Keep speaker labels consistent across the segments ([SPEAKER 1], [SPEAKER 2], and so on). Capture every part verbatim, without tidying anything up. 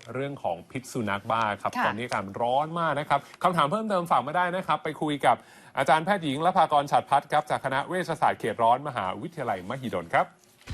[SPEAKER 1] เรื่องของพิษสุนัขบ้าครับตอนนี้อากาศร้อนมากนะครับคำถามเพิ่มเติมฝากมาได้นะครับไปคุยกับอาจารย์แพทย์หญิงละภากรฉัตรพัฒน์ครับจากคณะเวชศาสตร์เขตร้อนมหาวิทยาลัยมหิดลครับ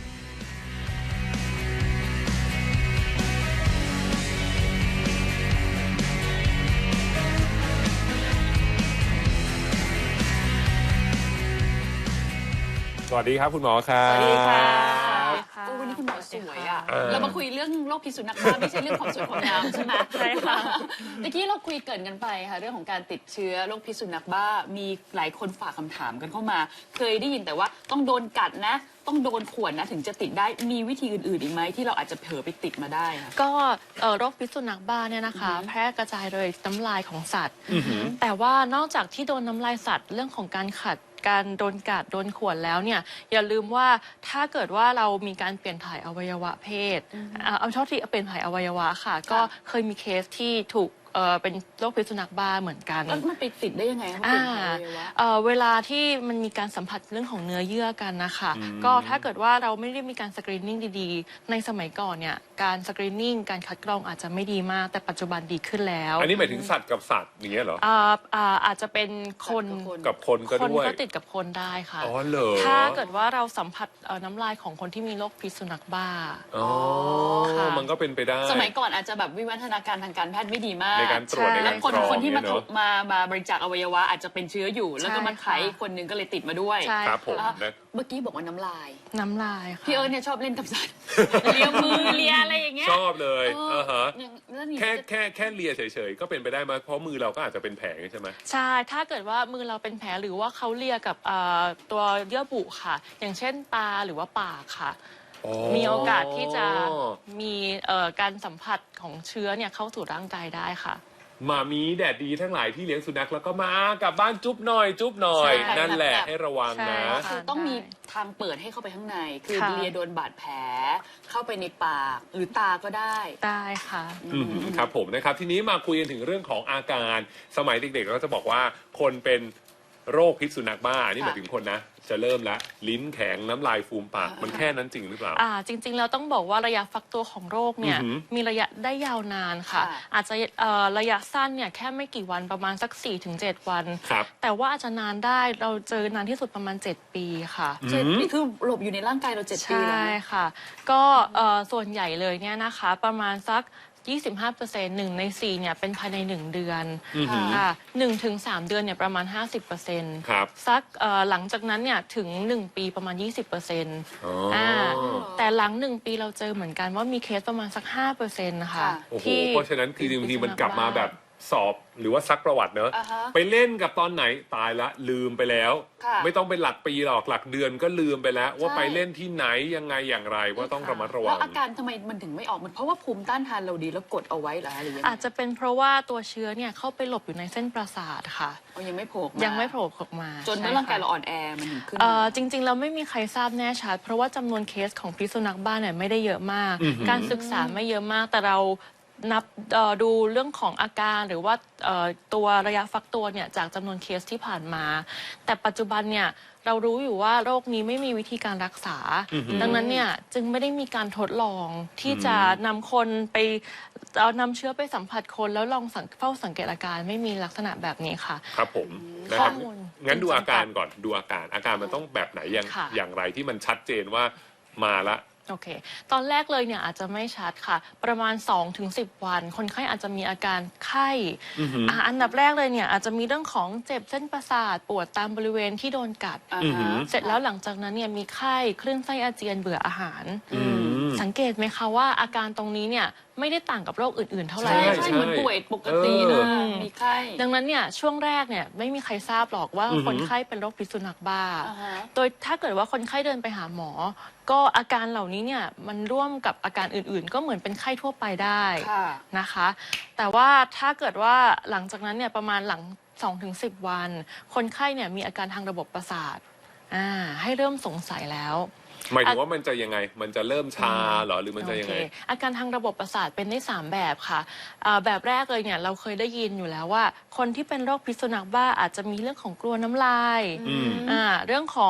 [SPEAKER 1] สวัสดีครับคุณหมอครับ
[SPEAKER 2] สวัสดีค่ะ
[SPEAKER 3] วันนี้คุณหมอสวยอ่ะ
[SPEAKER 2] เรามาคุยเรื่องโรคพิษสุนัขบ้าไม่ใช่เรื่องความสวยความงามใช่ไหม
[SPEAKER 3] ใช่ค่ะ
[SPEAKER 2] เมื่อกี้เราคุยเกินกันไปค่ะเรื่องของการติดเชื้อโรคพิษสุนัขบ้ามีหลายคนฝากคำถามกันเข้ามาเคยได้ยินแต่ว่าต้องโดนกัดนะต้องโดนข่วนนะถึงจะติดได้มีวิธีอื่นๆอีกไหมที่เราอาจจะเผลอไปติดมาได้ค่ะ
[SPEAKER 3] ก็โรคพิษสุนัขบ้าเนี่ยนะคะแพร่กระจายโดยน้ำลายของสัตว์แต่ว่านอกจากที่โดนน้ำลายสัตว์เรื่องของการขัดการโดนกัดโดนข่วนแล้วเนี่ยอย่าลืมว่าถ้าเกิดว่าเรามีการเปลี่ยนถ่ายอวัยวะเพศเอาเท่าที่เปลี่ยนถ่ายอวัยวะค่ะก็เคยมีเคสที่ถูกเออเป็นโรคพิษสุนัขบ้าเหมือนกัน
[SPEAKER 2] แล้วมันไปติดได้ยังไงคะ
[SPEAKER 3] อ่าเออเวลาที่มันมีการสัมผัสเรื่องของเนื้อเยื่อกันนะคะก็ถ้าเกิดว่าเราไม่ได้มีการสกรีนนิ่งดีๆในสมัยก่อนเนี่ยการสกรีนนิ่งการคัดกรองอาจจะไม่ดีมากแต่ปัจจุบันดีขึ้นแล้ว
[SPEAKER 1] อันนี้หมายถึงสัตว์กับสัตว์อย่างเงี้ยเหรอ
[SPEAKER 3] อ่าอ่าอาจจะเป็นคน
[SPEAKER 1] กับคนก็ด้วย
[SPEAKER 3] คนก็ติดกับคนได้ค่ะ
[SPEAKER 1] อ๋อเหรอ
[SPEAKER 3] ถ้าเกิดว่าเราสัมผัสน้ำลายของคนที่มีโรคพิษสุนัขบ้า
[SPEAKER 1] อ๋อมันก็เป็นไปได้
[SPEAKER 2] สมัยก่อนอาจจะแบบวิวัฒนาการทางการแพทย์ไม่ดีมาก
[SPEAKER 1] ในการตรวจในการ
[SPEAKER 2] คนคนที่มามามาบริจาคอวัยวะอาจจะเป็นเชื้ออยู่แล้วก็มาไขคนหนึ่งก็เลยติดมาด้วย
[SPEAKER 1] ครับผม
[SPEAKER 2] เมื่อกี้บอกว่าน้ำลาย
[SPEAKER 3] น้ำลาย
[SPEAKER 2] พี่เอิร์ธเนี่ยชอบเล่นกับสัตว์เลียมือเลียอะไรอย่างเงี้ย
[SPEAKER 1] ชอบเลยอ่าฮะแค่แค่แค่เลียเฉยๆก็เป็นไปได้มาเพราะมือเราก็อาจจะเป็นแผลใช่ไหม
[SPEAKER 3] ใช่ถ้าเกิดว่ามือเราเป็นแผลหรือว่าเขาเลียกับตัวเยื่อบุค่ะอย่างเช่นตาหรือว่าปากค่ะมีโอกาสที่จะมีการสัมผัสของเชื้อเนี่ยเข้าสู่ร่างกายได้ค่ะ
[SPEAKER 1] มามีแดดดีทั้งหลายที่เลี้ยงสุนัขแล้วก็มากลับบ้านจุ๊บหน่อยจุ๊บหน่อยนั่นแหละให้ระวังนะ
[SPEAKER 2] คือต้องมีทางเปิดให้เข้าไปข้างในคือเลียโดนบาดแผลเข้าไปในปากหรือตาก็ได้
[SPEAKER 3] ได้ค่ะ
[SPEAKER 1] ครับผมนะครับทีนี้มาคุยกันถึงเรื่องของอาการสมัยเด็กๆเราจะบอกว่าคนเป็นโรคพิษสุนัขบ้านี่หมายถึงคนนะจะเริ่มละลิ้นแข็งน้ำลายฟูมปากมันแค่นั้นจริงหรือเปล่า
[SPEAKER 3] อ่าจริงๆเราต้องบอกว่าระยะฟักตัวของโรคเนี่ยมีระยะได้ยาวนานค่ะอาจจะระยะสั้นเนี่ยแค่ไม่กี่วันประมาณสัก สี่ถึงเจ็ด วันแต่ว่าอาจจะนานได้เราเจอนานที่สุดประมาณเจ็ดปีค่ะ
[SPEAKER 2] เจ็ดปีคือหลบอยู่ในร่างกายเราเจ็ดปีแล้ว
[SPEAKER 3] ใช่ค่ะก็ส่วนใหญ่เลยเนี่ยนะคะประมาณสักยี่สิบห้าเปอร์เซ็นต์ หนึ่งในสี่เนี่ยเป็นภายในหนึ่งเดือนค่ะหนึ่งถึงสามเดือนเนี่ยประมาณ ห้าสิบเปอร์เซ็นต์
[SPEAKER 1] ครับ
[SPEAKER 3] สักหลังจากนั้นเนี่ยถึงหนึ่งปีประมาณ ยี่สิบเปอร์เซ็นต์ อ่าแต่หลังหนึ่งปีเราเจอเหมือนกันว่ามีเคสประมาณสัก ห้าเปอร์เซ็นต์ นะคะ
[SPEAKER 1] ที่เพราะฉะนั้นคือบางทีมันกลับมาแบบสอบหรือว่าซักประวัติเนอะไปเล่นกับตอนไหนตายละลืมไปแล้วไม่ต้องเป็นหลักปีหรอกหลักเดือนก็ลืมไปแล้วว่าไปเล่นที่ไหนยังไงอย่างไรว่าต้องระมัดระวัง
[SPEAKER 2] แล้วอาการทำไมมันถึงไม่ออกมันเพราะว่าภูมิต้านทานเราดีแล้วกดเอาไว้เหรอหรือยัง
[SPEAKER 3] อาจจะเป็นเพราะว่าตัวเชื้อเนี่ยเข้าไปหลบอยู่ในเส้นประสาทค่ะ
[SPEAKER 2] ยังไม่โผล่
[SPEAKER 3] ยังไม่โผล่ออกมา
[SPEAKER 2] จนเมื่อร่างกายเราอ่อนแอมันถึงขึ้น
[SPEAKER 3] จริงๆเราไม่มีใครทราบแน่ชัดเพราะว่าจำนวนเคสของพิษสุนัขบ้าเนี่ยไม่ได้เยอะมากการศึกษาไม่เยอะมากแต่เรานับดูเรื่องของอาการหรือว่าตัวระยะฟักตัวเนี่ยจากจำนวนเคสที่ผ่านมาแต่ปัจจุบันเนี่ยเรารู้อยู่ว่าโรคนี้ไม่มีวิธีการรักษาดังนั้นเนี่ยจึงไม่ได้มีการทดลองที่จะนำคนไปเอานำเชื้อไปสัมผัสคนแล้วลองเฝ้าสังเกตอาการไม่มีลักษณะแบบนี้ค่ะ
[SPEAKER 1] ครับผมนะครับงั้นดูอาการก่อนดูอาการอาการมันต้องแบบไหนอย่างอย่างไรที่มันชัดเจนว่ามาละ
[SPEAKER 3] โอเคตอนแรกเลยเนี่ยอาจจะไม่ชัดค่ะประมาณ สองถึงสิบ วันคนไข้อาจจะมีอาการไข้อ่าอันดับแรกเลยเนี่ยอาจจะมีเรื่องของเจ็บเส้นประสาทปวดตามบริเวณที่โดนกัดเสร็จแล้วหลังจากนั้นเนี่ยมีไข้คลื่นไส้อาเจียนเบื่ออาหารสังเกตไหมคะว่าอาการตรงนี้เนี่ยไม่ได้ต่างกับโรคอื่นๆเท่าไหร่
[SPEAKER 2] ใช่ใช่เหมือนป่วยปกตินะมีไข้
[SPEAKER 3] ดังนั้นเนี่ยช่วงแรกเนี่ยไม่มีใครทราบหรอกว่าคนไข้เป็นโรคพิษสุนัขบ้าโดยถ้าเกิดว่าคนไข้เดินไปหาหมอก็อาการเหล่านี้เนี่ยมันร่วมกับอาการอื่นๆก็เหมือนเป็นไข้ทั่วไปได้นะคะแต่ว่าถ้าเกิดว่าหลังจากนั้นเนี่ยประมาณหลัง สองถึงสิบ วันคนไข้เนี่ยมีอาการทางระบบประสาทอ่าให้เริ่มสงสัยแล้ว
[SPEAKER 1] หมายถึงว่ามันจะยังไงมันจะเริ่มชาหรอหรือมันจะยังไง
[SPEAKER 3] อาการทางระบบประสาทเป็นได้สามแบบค่ะแบบแรกเลยเนี่ยเราเคยได้ยินอยู่แล้วว่าคนที่เป็นโรคพิษสุนัขบ้าอาจจะมีเรื่องของกลัวน้ำลายเรื่องของ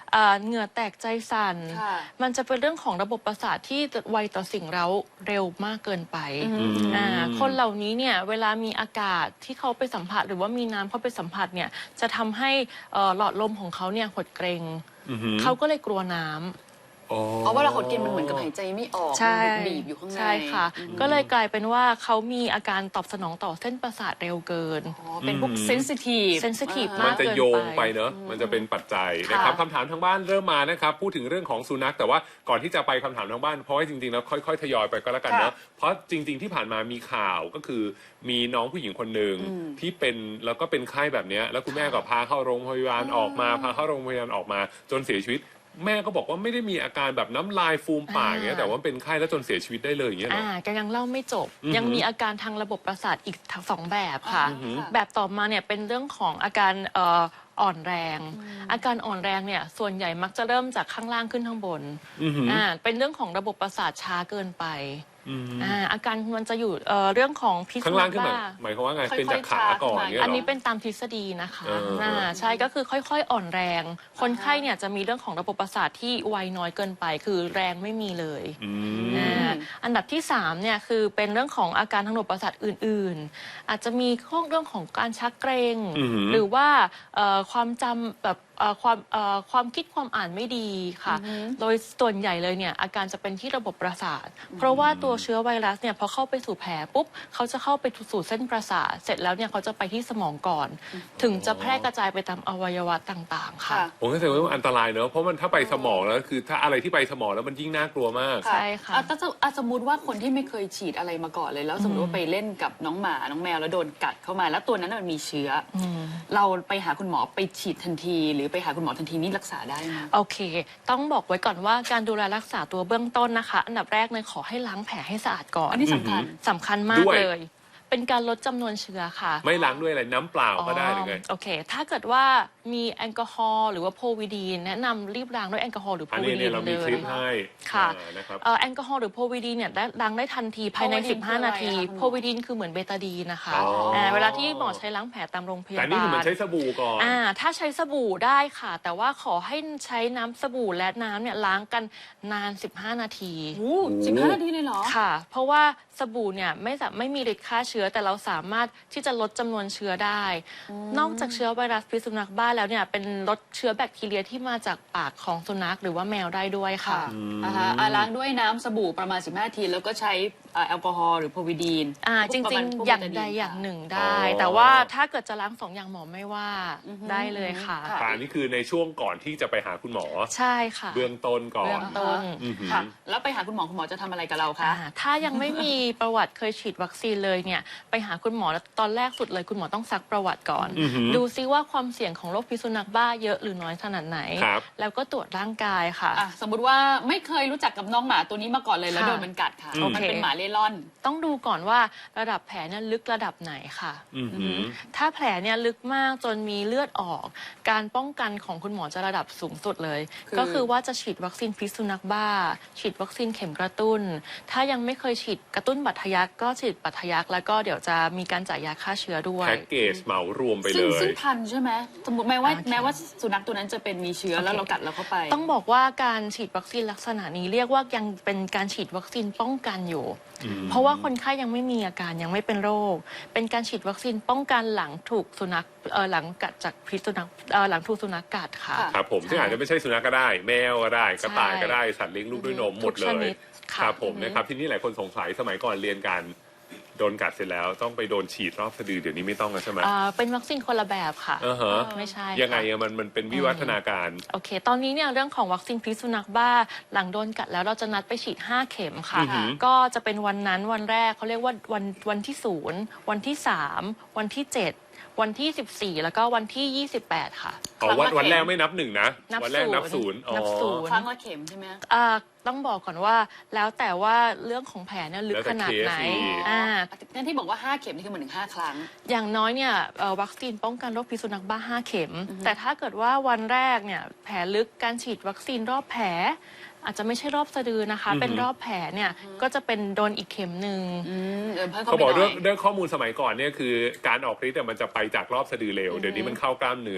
[SPEAKER 3] อ่าเหงื่อแตกใจสั่น
[SPEAKER 2] ค่ะ
[SPEAKER 3] มันจะเป็นเรื่องของระบบประสาทที่ไวต่อสิ่งเร้าเร็วมากเกินไปอ่าคนเหล่านี้เนี่ยเวลามีอากาศที่เขาไปสัมผัสหรือว่ามีน้ำเข้าไปสัมผัสเนี่ยจะทำให้เอ่อหลอดลมของเขาเนี่ยหดเกรงเขาก็เลยกลัวน้ำ
[SPEAKER 2] เพราะว่าเราหดกินมันเหมือนกับหายใจไม่ออก
[SPEAKER 3] ใช่
[SPEAKER 2] มันบีบอยู่ข้างใน
[SPEAKER 3] ใช่ค่ะ ก็เลยกลายเป็นว่าเขามีอาการตอบสนองต่อเส้นประสาทเร็วเกิน
[SPEAKER 2] อ๋อเป็นพวกเซนซิทีฟ
[SPEAKER 3] เซนซิทีฟ
[SPEAKER 1] มั
[SPEAKER 3] มาน ก
[SPEAKER 1] จะ
[SPEAKER 3] เกิน
[SPEAKER 1] โยง
[SPEAKER 3] ไป
[SPEAKER 1] ไปเนอะมันจะเป็นปัจจัยนะครับคำถามทางบ้านเริ่มมานะครับพูดถึงเรื่องของสุนัขแต่ว่าก่อนที่จะไปคำถามทางบ้านเพราะว่าจริงๆแล้วค่อยๆทยอยไปก็แล้วกันเนอะเพราะจริงๆที่ผ่านมามีข่าวก็คือมีน้องผู้หญิงคนหนึ่งที่เป็นแล้วก็เป็นไข้แบบเนี้ยแล้วคุณแม่ก็พาเข้าโรงพยาบาลออกมาพาเข้าโรงพยาบาลออกมาจนเสียชีวิตแม่ก็บอกว่าไม่ได้มีอาการแบบน้ำลายฟูมปากอย่างเงี้ยแต่ว่าเป็นไข้แล้วจนเสียชีวิตได้เลยอย่างเงี้ยเหรอ
[SPEAKER 3] อ่าก็ยังเล่าไม่จบ
[SPEAKER 1] อือหือ
[SPEAKER 3] ยังมีอาการทางระบบประสาทอีกทั้งสองแบบค่ะ
[SPEAKER 2] อือหือ
[SPEAKER 3] แบบต่อมาเนี่ยเป็นเรื่องของอาการเอ่ออ่อนแรง อาการอ่อนแรงเนี่ยส่วนใหญ่มักจะเริ่มจากข้างล่างขึ้นข้างบน
[SPEAKER 1] อือหือ
[SPEAKER 3] อ่าเป็นเรื่องของระบบประสาทช้าเกินไป
[SPEAKER 1] อืม
[SPEAKER 3] อ่าอาการมันจะอยู่เอ่อเรื่องของพิษ
[SPEAKER 1] ข้างล่างขึ้น
[SPEAKER 3] บ้
[SPEAKER 1] มาหมายความว่าไง
[SPEAKER 2] ค่อยๆ
[SPEAKER 1] เป็นจากขาก่อน
[SPEAKER 2] ชาร์จ
[SPEAKER 1] เงี้ย
[SPEAKER 3] อัน
[SPEAKER 1] เหร
[SPEAKER 3] นี้
[SPEAKER 1] อ
[SPEAKER 3] เป็นตามทฤษฎีนะคะ
[SPEAKER 1] เอออ่
[SPEAKER 3] าใช่ก็คือค่อยๆอ่อนแรง คนไข้เนี่ยจะมีเรื่องของระบบประสาทที่ไวน้อยเกินไป คือแรงไม่มีเลย
[SPEAKER 1] อืม
[SPEAKER 3] อ่าอันดับที่สามเนี่ยคือเป็นเรื่องของอาการทางระบบประสาทอื่นๆ อาจจะมีข้อเรื่องของการชักเกรง
[SPEAKER 1] อือหือ
[SPEAKER 3] หรือว่าเอ่อความจำแบบเอ่อความเอ่อความคิดความอ่านไม่ดีค่ะ โดยส่วนใหญ่เลยเนี่ยอาการจะเป็นที่ระบบประสาท เพราะว่าตัวเชื้อไวรัสเนี่ยพอเข้าไปสู่แผลปุ๊บเขาจะเข้าไปสู่เส้นประสาท เสร็จแล้วเนี่ยเขาจะไปที่สมองก่อน ถึงจะแพร่กระจายไปตามอวัยวะต่างๆค่ะ
[SPEAKER 2] ค่ะ
[SPEAKER 1] ผมก็แสดงว่ามันอันตรายเนอะเพราะมันถ้าไปสมองแล้วคือถ้าอะไรที่ไปสมองแล้วมันยิ่งน่ากลัวมาก
[SPEAKER 3] ใช่ค่ะ
[SPEAKER 2] อ่ถ้าสมอ่ะสมมติว่าคนที่ไม่เคยฉีดอะไรมาก่อนเลย แล้วสมมติว่าไปเล่นกับน้องหมา น้องแมวแล้วโดนกัดเข้ามา แล้วตัวนั้นนะมันมีเชื้ออเราไปหาคุณหมอไปฉีดทันที หรือไปหาคุณหมอทันทีนี่รักษาได้ไหม
[SPEAKER 3] โอเค ต้องบอกไว้ก่อนว่าการดูแลรักษาตัวเบื้องต้นนะคะ อันดับแรกเลยขอให้ล้างแผลให้สะอาดก่อน
[SPEAKER 2] อันนี้สำคัญ
[SPEAKER 3] สำคัญมาก
[SPEAKER 1] ด้วย
[SPEAKER 3] เลย เป็นการลดจำนวนเชื้อค่ะ
[SPEAKER 1] ไม่ล้างด้วยอะไรน้ำเปล่าก็ได้หรือไง
[SPEAKER 3] โอเค ถ้าเกิดว่ามีแอลกอฮอล์หรือว่าโพวิดีนแนะนำรีบล้างด้วยแอลกอฮอล์หรือโพ
[SPEAKER 1] อัน
[SPEAKER 3] วิ
[SPEAKER 1] นี้
[SPEAKER 3] ดี
[SPEAKER 1] เนี่ย
[SPEAKER 3] น
[SPEAKER 1] เรา
[SPEAKER 3] เล
[SPEAKER 1] มีคลิป
[SPEAKER 3] ย
[SPEAKER 1] ให้
[SPEAKER 3] ค่ะ
[SPEAKER 1] อ่านะครับ
[SPEAKER 3] เอ่อแอลกอฮอล์หรือโพวิดีนเนี่ยได้ล้างได้ทันทีภายใน
[SPEAKER 2] โพวิดีน
[SPEAKER 3] สิบห้า นาที
[SPEAKER 2] คืออะไรคะคุณหมอ
[SPEAKER 3] โพวิดีนคือเหมือนเบตาดีนนะคะ
[SPEAKER 1] อ๋ออ่
[SPEAKER 3] าเวลาที่หมอใช้ล้างแผลตามโรงพยา
[SPEAKER 1] แต่
[SPEAKER 3] บาล
[SPEAKER 1] นี่คือมันใช้สบู่ก่อน
[SPEAKER 3] อ่าถ้าใช้สบู่ได้ค่ะ แต่ว่าขอให้ใช้น้ำสบู่และน้ำเนี่ยล้างกันนาน สิบห้า นาที
[SPEAKER 2] โอ้สิบห้านาทีเลยเหรอ
[SPEAKER 3] ค่ะ เพราะว่าสบู่เนี่ยไม่สาไม่มีฤทธิ์ฆ่าเชื้อ แต่เราสามารถที่จะลดจำนวนเชื้อได้ นอกจากเชื้อไวรัสพิษสุนัขบ้าแล้วเนี่ยเป็นลดเชื้อแบคทีเรียที่มาจากปากของสุนัขหรือว่าแมวได้ด้วยค่ะ
[SPEAKER 2] ค่ะอ่าฮะอ่ะล้างด้วยน้ำสบู่ประมาณสิบห้านาที แล้วก็ใช้อ่าแอลกอฮอล์หรือโพวิดีน
[SPEAKER 3] อ่าจ
[SPEAKER 2] พวกปะ
[SPEAKER 3] ริ
[SPEAKER 2] มาง ณพวก
[SPEAKER 3] ๆ อย่าง
[SPEAKER 2] เบต
[SPEAKER 3] ใด
[SPEAKER 2] น
[SPEAKER 3] อย่างหนึ่งได้
[SPEAKER 1] อ๋อ
[SPEAKER 3] แต่ว่าถ้าเกิดจะล้างสองอย่างหมอไม่ว่าได้เลยค่ะ
[SPEAKER 2] ค่ะ
[SPEAKER 1] แต่อันนี้คือในช่วงก่อนที่จะไปหาคุณหมอ
[SPEAKER 3] ใช่ค่ะ
[SPEAKER 1] เบื้องต้นก่อ
[SPEAKER 3] เบื้
[SPEAKER 1] น
[SPEAKER 3] องต้น
[SPEAKER 1] อือหือ
[SPEAKER 2] ค่ะ แล้วไปหาคุณหมอคุณหมอจะทำอะไรกับเราคะ
[SPEAKER 3] อ่าถ้ายังไม่มีประวัติเคยฉีดวัคซีนเลยเนี่ยไปหาคุณหมอแล้วตอนแรกสุดเลยคุณหมอต้องซักประวัติก่อน
[SPEAKER 1] อือหือ
[SPEAKER 3] ดูซิว่าความเสี่ยงของโรคพิษสุนัขบ้าเยอะหรือน้อยขนาดไหน
[SPEAKER 1] ครับ
[SPEAKER 3] แล้วก็ตรวจร่างกายค่ะ
[SPEAKER 2] อ่ะสมมติว่าไม่เคยรู้จักกับน้องหมาตัวนี้มาก่อนเลยแล้ว
[SPEAKER 3] ค่ะ
[SPEAKER 2] โดนมันกัดค่ะ
[SPEAKER 1] อืม
[SPEAKER 2] มันเป็นหมาเล่ร่อน
[SPEAKER 3] ต้องดูก่อนว่าระดับแผลเนี่ยลึกระดับไหนค่ะ
[SPEAKER 1] อือหือ
[SPEAKER 3] ถ้าแผลเนี่ยลึกมากจนมีเลือดออก การป้องกันของคุณหมอจะระดับสูงสุดเลย
[SPEAKER 2] คือ
[SPEAKER 3] ก็คือว่าจะฉีดวัคซีนพิษสุนัขบ้า ฉีดวัคซีนเข็มกระตุ้น ถ้ายังไม่เคยฉีดกระตุ้นบัตรทะยักก็ฉีดบัตรทะยักแล้วก็เดี๋ยวจะมีการจ่ายยาฆ่าเชื้อด้วย
[SPEAKER 1] แพ็กเกจเหมารวมไป
[SPEAKER 2] ซึ่
[SPEAKER 1] เล
[SPEAKER 2] ง
[SPEAKER 1] ย
[SPEAKER 2] ซึ่งทันใช่ไหมสมมติแม้ว่า
[SPEAKER 3] โอเค
[SPEAKER 2] แม้ว่าสุนัขตัวนั้นจะเป็นมีเชื้อแล้วเรากัดเราเข้าไป
[SPEAKER 3] ต้องบอกว่าการฉีดวัคซีนลักษณะนี้เรียกว่ายังเป็นการฉีดวัคซีนป้องกันอยู่ เพราะว่าคนไข้ยังไม่มีอาการยังไม่เป็นโรค เป็นการฉีดวัคซีนป้องกันหลังถูกสุนัขเอ่อหลังกัดจากพิษสุนัขเอ่อหลังถูกสุนัขกัดค่ะ
[SPEAKER 2] ค่ะ
[SPEAKER 1] ครับผมซึ่งอาจจะไม่ใช่สุนัขก็ได้ แมวก็ได้ กระต่ายก็ได้ สัตว์เลี้ยงลูกด้วยนมหมดเล
[SPEAKER 3] ทุกชนิ
[SPEAKER 1] ย
[SPEAKER 3] ดค่ะ
[SPEAKER 1] ครับผมนะครับทีนี้หลายคนสงสัยสมัยก่อนเรียนกันโดนกัดเสร็จแล้วต้องไปโดนฉีดรอบสะดือเดี๋ยวนี้ไม่ต้องแล้วใช่ไหม
[SPEAKER 3] อ่าเป็นวัคซีนคนละแบบค่ะ
[SPEAKER 1] อ่าฮะ
[SPEAKER 3] ไม่ใช่
[SPEAKER 1] ยังไง
[SPEAKER 3] ค่ะ
[SPEAKER 1] อะมันมันเป็นวิวัฒนาการ
[SPEAKER 3] โอเค ตอนนี้เนี่ยเรื่องของวัคซีนพิษสุนัขบ้า หลังโดนกัดแล้วเราจะนัดไปฉีดห้าเข็มค่ะ
[SPEAKER 1] อือหือ
[SPEAKER 3] ก็จะเป็นวันนั้นวันแรกเขาเรียกว่าวันวันที่ศูนย์วันที่สามวันที่เจ็ดวันที่สิบสี่แล้วก็วันที่ยี่สิบแปดค่ะ
[SPEAKER 1] อ๋อวันวันแรกไม่นับหนึ่งนะ
[SPEAKER 3] นับ
[SPEAKER 1] วัแรกนับศูนย์อ๋อ
[SPEAKER 3] นับศูนย์
[SPEAKER 2] ครั้งละเข็มใช่ไหม
[SPEAKER 3] อ่าต้องบอกก่อนว่าแล้วแต่ว่าเรื่องของแผลเนี่ยลึก
[SPEAKER 1] แล้วแต่
[SPEAKER 3] ขนาดไหน
[SPEAKER 1] เคสอีก
[SPEAKER 3] อ่า
[SPEAKER 2] นั่นที่บอกว่าห้าเข็มนี่คือเหมือนถึงห้าครั้ง
[SPEAKER 3] อย่างน้อยเนี่ยเอ่อวัคซีนป้องกันโรคพิษสุนัขบ้าห้าเข็ม แต่ถ้าเกิดว่าวันแรกเนี่ยแผลลึกการฉีดวัคซีนรอบแผล อาจจะไม่ใช่รอบสะดือนะคะ เป็นรอบแผลเนี่ยก็จะเป็นโดนอีกเข็มหนึ่ง
[SPEAKER 2] อืมเออเพิ่มเข้า
[SPEAKER 1] เขา
[SPEAKER 2] ไป
[SPEAKER 1] บอก
[SPEAKER 2] หน่
[SPEAKER 1] เรื่
[SPEAKER 2] อ
[SPEAKER 1] อง
[SPEAKER 2] ย
[SPEAKER 1] เรื่องข้อมูลสมัยก่อนเนี่ยคือการออกฤทธิ์อะมันจะไปจากรอบสะดือเร็วเดี๋ยวนี้มันเข้ากล้ามเนื้อ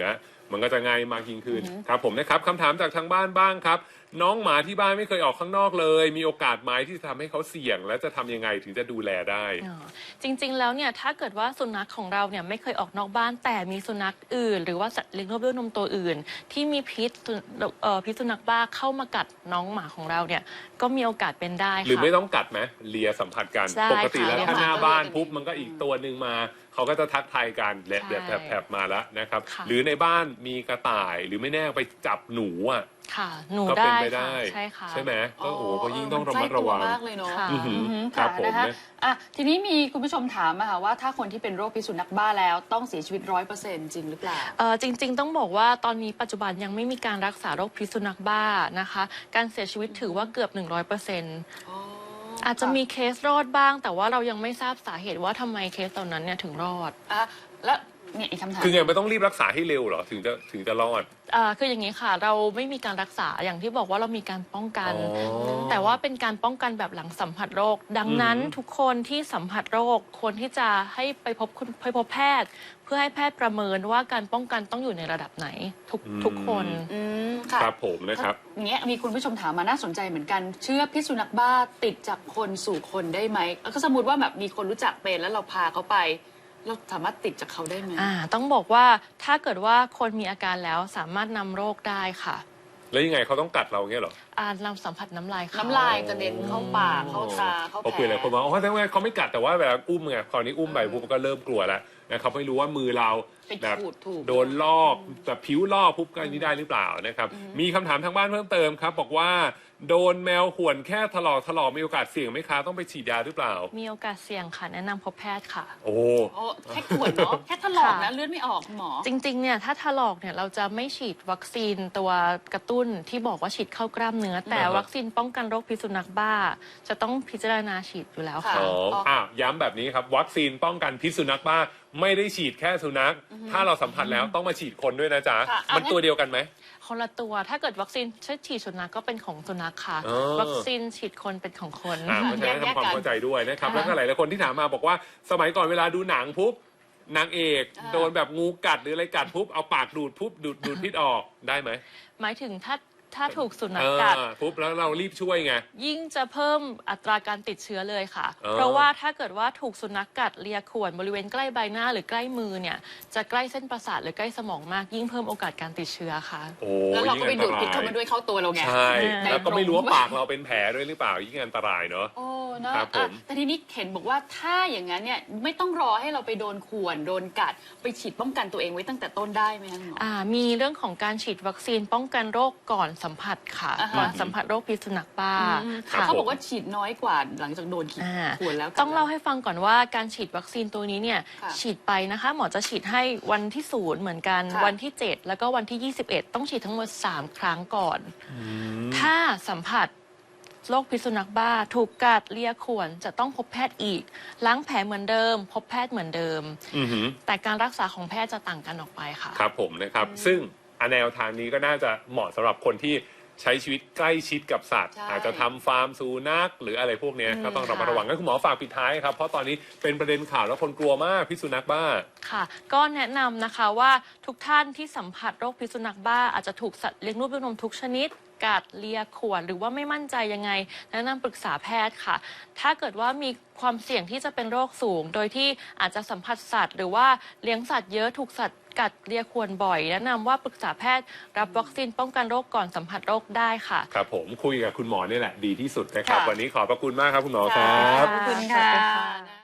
[SPEAKER 1] มันก็จะง่ายมากยิ่งขึ้นครับผมนะครับคำถามจากทางบ้านบ้างครับ น้องหมาที่บ้านไม่เคยออกข้างนอกเลย มีโอกาสไหมที่จะทำให้เขาเสี่ยง และจะทำยังไงถึงจะดูแลได้
[SPEAKER 3] จริงๆแล้วเนี่ยถ้าเกิดว่าสุนัขของเราเนี่ยไม่เคยออกนอกบ้านแต่มีสุนัขอื่น หรือว่าสัตว์เลี้ยงลูกด้วยนมตัวอื่น ที่มีพิษพิษสุนัขบ้าเข้ามากัดน้องหมาของเราเนี่ยก็มีโอกาสเป็นได้ค่ะ
[SPEAKER 1] หรือไม่ต้องกัดไหมเลียสัมผัสกันปกติแล้วถ้าหน้าบ้านปุ๊บมันก็อีกตัวหนึ่งมาเขาก็จะทักทายกันแหละแบบแผลบมาแล้วนะครับหรือในบ้านมีกระต่ายหรือไม่แน่ไปจับหนูอ่ะ
[SPEAKER 3] ค่ะหนู
[SPEAKER 1] ได้
[SPEAKER 3] ใช่ค่ะ
[SPEAKER 1] ใช่ไหมก็โอ้ก็ยิ่งต้องระมัดระวัง
[SPEAKER 2] มากเลยเนาะ
[SPEAKER 1] ครับผม
[SPEAKER 2] นะคะอ่ะทีนี้มีคุณผู้ชมถามมาค่ะว่าถ้าคนที่เป็นโรคพิษสุนัขบ้าแล้วต้องเสียชีวิตร้อยเปอร์เซ็นต์จริงหรือเปล่า
[SPEAKER 3] เออจริงๆต้องบอกว่าตอนนี้ปัจจุบันยังไม่มีการรักษาโรคพิษสุนัขบ้านะคะการเสียชีวิตถือว่าเกือบหนึ่งร้อยเปอร์เซ็นต์อาจจะมีเคสรอดบ้างแต่ว่าเรายังไม่ทราบสาเหตุว่าทำไมเคสตอนนั้นเนี่ยถึงรอด
[SPEAKER 2] อ่ะแล้วเนี่ยอีกคำถาม
[SPEAKER 1] คือไงไม่ต้องรีบรักษาให้เร็วหรอถึงจะถึงจะรอด
[SPEAKER 3] อ่าคืออย่างนี้ค่ะเราไม่มีการรักษาอย่างที่บอกว่าเรามีการป้องกันแต่ว่าเป็นการป้องกันแบบหลังสัมผัสโรคดังนั้นทุกคนที่สัมผัสโรคควรที่จะให้ไปพบไปพบแพทย์เพื่อให้แพทย์ประเมินว่าการป้องกันต้องอยู่ในระดับไหนทุกทุกคน
[SPEAKER 1] ครับผมนะครับ
[SPEAKER 2] อย่างเงี้ยมีคุณผู้ชมถามมาน่าสนใจเหมือนกันเชื้อพิษสุนัขบ้าติดจากคนสู่คนได้ไหมแล้วก็สมมติว่าแบบมีคนรู้จักเป็นแล้วเราพาเขาไปเราสามารถติดจากเขาได้ไหม
[SPEAKER 3] อ่าต้องบอกว่าถ้าเกิดว่าคนมีอาการแล้วสามารถนำโรคได้ค่ะ
[SPEAKER 1] แล้วยังไงเขาต้องกัดเราเงี้ยหรอ
[SPEAKER 3] อ่านำสัมผัสน้ำลาย
[SPEAKER 2] น้ำลายกระเด็นเข้าปากเข้าตาเข้าแผล
[SPEAKER 1] เขาคุยอะไรคนบอกอ๋อแต่ว่าเขาไม่กัดแต่ว่าแบบอุ้มไงคราวนี้อุ้มไปปุ๊บก็เริ่มกลัวแล้วนะครับไม่รู้ว่ามือเราแบบโดนลอกแบบผิวลอกปุ๊บก็นี้ได้หรือเปล่านะครับมีคำถามทางบ้านเพิ่มเติมครับบอกว่าโดนแมวข่วนแค่ถลอกถลอกมีโอกาสเสี่ยงไหมคะต้องไปฉีดยาหรือเปล่า
[SPEAKER 3] มีโอกาสเสี่ยงค่ะแนะนำพบแพทย์ค่ะ
[SPEAKER 1] โอ้
[SPEAKER 2] แค่ข่วนเนาะแค่ถลอกนะเลือดไม่ออกหมอ
[SPEAKER 3] จริงๆเนี่ยถ้าถลอกเนี่ยเราจะไม่ฉีดวัคซีนตัวกระตุ้นที่บอกว่าฉีดเข้ากล้ามเนื้อแต่วัคซีนป้องกันโรคพิษสุนัขบ้าจะต้องพิจารณาฉีดอยู่แล้วค่ะ
[SPEAKER 1] อ๋ออ่ะย้ำแบบนี้ครับวัคซีนป้องกันพิษสุนัขบ้าไม่ได้ฉีดแค่สุนัขถ้าเราสัมผัสแล้วต้องมาฉีดคนด้วยนะจ๊ะมันตัวเดียวกันไหม
[SPEAKER 3] คนละตัวถ้าเกิดวัคซีนฉีดสุนัขก็เป็นของสุนัขค่ะวัคซีนฉีดคนเป็นของคน
[SPEAKER 1] เพราะฉะนั้นทำความเข้าใจด้วยนะครับแล้วก็หลายๆคนที่ถามมาบอกว่าสมัยก่อนเวลาดูหนังปุ๊บนางเอกโดนแบบงูกัดหรืออะไรกัดปุ๊บเอาปากดูดปุ๊บดูดดูดพิษออกได้ไหม
[SPEAKER 3] หมายถึงถ้าถ้าถูกสุนัขกัด
[SPEAKER 1] ปุ๊บแล้วเรารีบช่วยไง
[SPEAKER 3] ยิ่งจะเพิ่มอัตราการติดเชื้อเลยค่ะเพราะว่าถ้าเกิดว่าถูกสุนัขกัดเลียข่วนบริเวณใกล้ใบหน้าหรือใกล้มือเนี่ยจะใกล้เส้นประสาทหรือใกล้สมองมากยิ่งเพิ่มโอกาสการติดเชื้อค่ะ
[SPEAKER 2] แล้วเราก็ไปดูดพิษเข้ามาด้วยเข้าตัวเราไง
[SPEAKER 1] ใช่แล้วก็ไม่รู้ว่าปากเราเป็นแผลด้วยหรือเปล่ายิ่งอันตรายเนาะ
[SPEAKER 2] โอ้นะครับผมแต่ทีนี้เห็นบอกว่าถ้าอย่างนั้นเนี่ยไม่ต้องรอให้เราไปโดนข่วนโดนกัดไปฉีดป้องกันตัวเองไว้ตั้งแต่ต้นได้ไหมคะหมอ
[SPEAKER 3] อ่ามีเรื่องของการฉีดวัคซีนป้องกันโรคก่อนสัมผัสค่ะก่อนสัมผัสโรคพิษสุนัขบ้า
[SPEAKER 2] เขาบอกว่าฉีดน้อยกว่าหลังจากโดนข่วนแล้ว
[SPEAKER 3] ต้องเล่าให้ฟังก่อนว่าการฉีดวัคซีนตัวนี้เนี่ยฉีดไปนะคะหมอจะฉีดให้วันที่ศูนย์เหมือนกันวันที่เจ็ดแล้วก็วันที่ยี่สิบเอ็ดต้องฉีดทั้งหมดสามครั้งก่อนถ้าสัมผัสโรคพิษสุนัขบ้าถูกกัดเลียข่วนจะต้องพบแพทย์อีกล้างแผลเหมือนเดิมพบแพทย์เหมือนเดิมแต่การรักษาของแพทย์จะต่างกันออกไปค่ะ
[SPEAKER 1] ครับผมนะครับซึ่งแนวทางนี้ก็น่าจะเหมาะสำหรับคนที่ใช้ชีวิตใกล้ชิดกับสัตว์อาจจะทำฟาร์มสุนัขหรืออะไรพวกนี้ก็ต้องระมัดระวังงั้นคุณหมอฝากปิดท้ายครับเพราะตอนนี้เป็นประเด็นข่าวแล้วคนกลัวมากพิษสุนัขบ้า
[SPEAKER 3] ค่ะก็แนะนำนะคะว่าทุกท่านที่สัมผัสโรคพิษสุนัขบ้าอาจจะถูกสัตว์เลี้ยงลูกด้วยนมทุกชนิดกัดเลียข่วนหรือว่าไม่มั่นใจยังไงแนะนำปรึกษาแพทย์ค่ะถ้าเกิดว่ามีความเสี่ยงที่จะเป็นโรคสูงโดยที่อาจจะสัมผัสสัตว์หรือว่าเลี้ยงสัตว์เยอะถูกสัตว์กัดเลียข่วนบ่อยแนะนำว่าปรึกษาแพทย์รับวัคซีนป้องกันโรคก่อนสัมผัสโรคได้ค่ะ
[SPEAKER 1] ครับผมคุยกับคุณหมอนี่แหละดีที่สุดนะครับวันนี้ขอบพระคุณมากครับคุณหมอครับ
[SPEAKER 2] ขอบคุณค่ะ